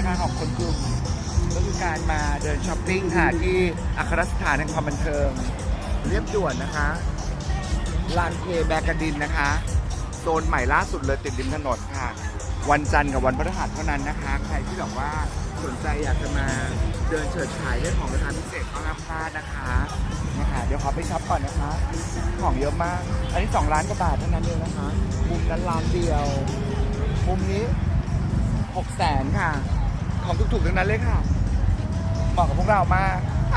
นะคะของคนกลุ่มก็คือการมาเดินช้อปปิ้งค่ะที่อัครสถานแห่งความบันเทิงเรียบด่วนนะคะลานเคแบกดินนะคะโซนใหม่ล่าสุดเลยติดริมถนนค่ะวันจันทร์กับวันพฤหัสเท่านั้นนะคะใครที่แบบว่าสนใจอยากจะมาเดินเฉิดฉายเรื่องของราคาพิเศษก็ห้ามพลาดนะคะนะคะเดี๋ยวขอไปช็อปก่อนนะคะของเยอะมากอันนี้2 ล้านกว่าบาทเท่านั้นเองนะคะมุมนั้นล้านเดียวมุมนี้600,000ค่ะของถูกๆทั้งนั้นเลยค่ะเหมาะกับพวกเรามาก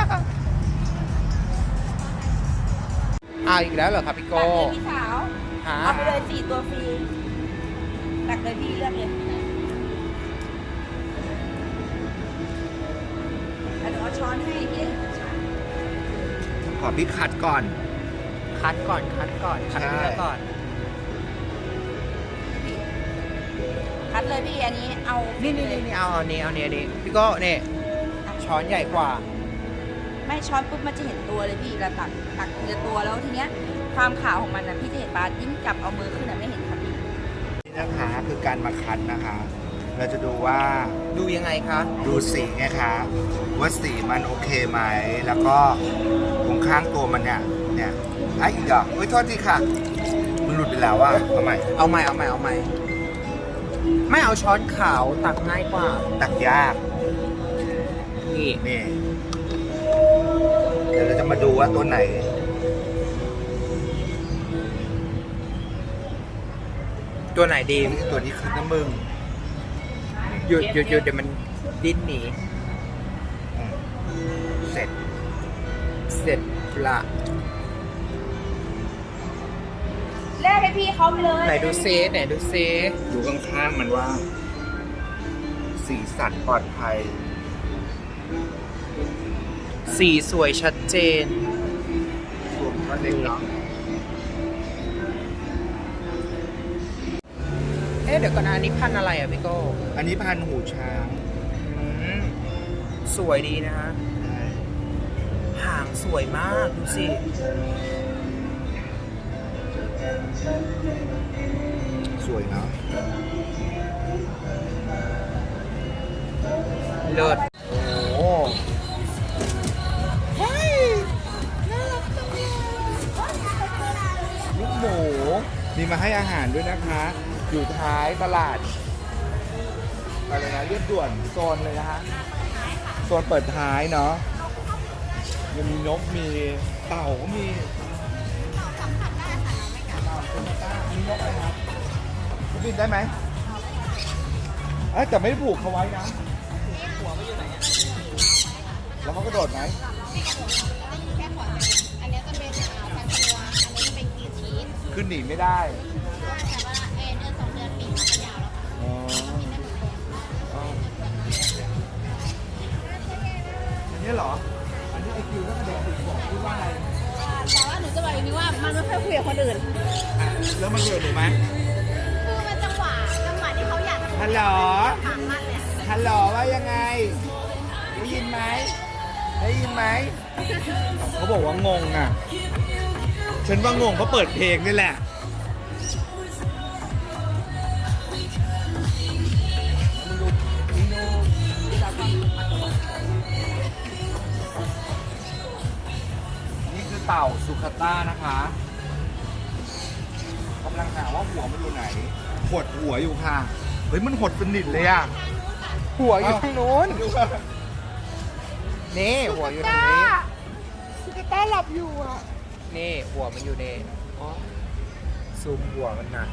อีกแล้วเหรอครับพี่โก้ตักเลยพี่สาวหาเอาไปเลย4 ตัวฟรีตักเลยพี่เลือกเลยเดี๋ยวเอาช้อนให้พี่ขอพี่คัดก่อนคัดก่อนคัดเนื้อก่อนคัดเลยพี่อันนี้เอานี่เอาอันนี้พี่โก็เนี่ยช้อนใหญ่กว่าไม่ช้อนปุ๊บมันจะเห็นตัวเลยพี่เราตักเนื้อตัวแล้วทีเนี้ยความขาวของมันนะพี่จะเห็นปลายิ่งจับเอามือขึ้นไม่เห็นครับพี่นี่นะคะคือการมาคัดนะคะ เราจะดูว่าดูยังไงคะดูสีไงคะว่าสีมันโอเคไหมแล้วก็ตรงข้างตัวมันเนี่ยอีกอ่ะโทษทีค่ะมันหลุดไปแล้วว่ะเอาใหม่เอาใหม่ไม่เอาช้อนขาวตักง่ายกว่าตักยากนี่นี่เดี๋ยวเราจะมาดูว่าตัวไหนตัวไหนดีตัวนี้คือน้ำมึงหยุดเดี๋ยวมันดิ้นหนีเสร็จเสร็จละแลกให้พี่เขาไปเลยไหนดูเซดูข้างๆมันว่า สีสันปลอดภัยสีสวยชัดเจนรวมก็เล็กเนาะเดี๋ยวก่อนนะอันนี้พันธุ์อะไรอ่ะพี่โก้อันนี้พันธุ์หูช้างสวยดีนะฮะหางสวยมากดูสิสวยเนาะเลิศโอ้ลูกหมูมีมาให้อาหารด้วยนะคะ อยู่ท้ายตลาดอะไรนะเรียบด่วนโซนเลยนะคะโซนเปิดท้ายเนาะยังมีนกมีเต่าก็มีเต่าสัมผัสได้ค่ะมีนกอะไรครับเขาบินได้ไหมแต่ไม่ได้ผูกเขาไว้นะแล้วเขากระโดดไหมแค่ขอเจออันนี้จะเป็นพันตัวอันนี้จะเป็นกรีนชีสขึ้นหนีไม่ได้แต่ว่าเดือน 2 เดือนปีมันจะยาวแล้วค่ะอ๋อกินได้หมดเลยอันนี้เหรอ อันนี้ไอคิวก็กระเด็นติดบอกพูดว่าอะไรแต่ว่าหนูจะบอกอย่างนี้ว่ามันไม่ค่อยคุยกับคนอื่นแล้วมันเกิดหรือไหมคือมันจังหวะที่เขาอยากจะฮัลโหลถามมากเลยฮัลโหลว่ายังไง ได้ยินไหม ได้ยินไหม เขาบอกว่างงอ่ะ ฉันว่างงเขาเปิดเพลงนี่แหละ นี่คือเต่าสุขต้านะคะกำลังหาว่าหัวมันอยู่ไหน หดหัวอยู่ค่ะ เฮ้ยมันหดสนิทเลยอ่ะหัวอยู่ทางนู้นดูว่านี่หัวอยู่ตรงนี้สุขต้าหลับอยู่อ่ะนี่หัวมันอยู่ในซูมหัวมันนะ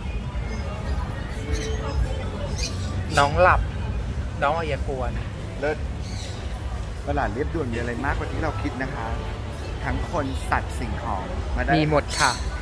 น้องหลับ น้องอย่าควรเลิศตลาดเรียบด่วนมีอะไรมากกว่าที่เราคิดนะคะ ทั้งคนสัตว์สิ่งของมาได้มีหมดค่ะท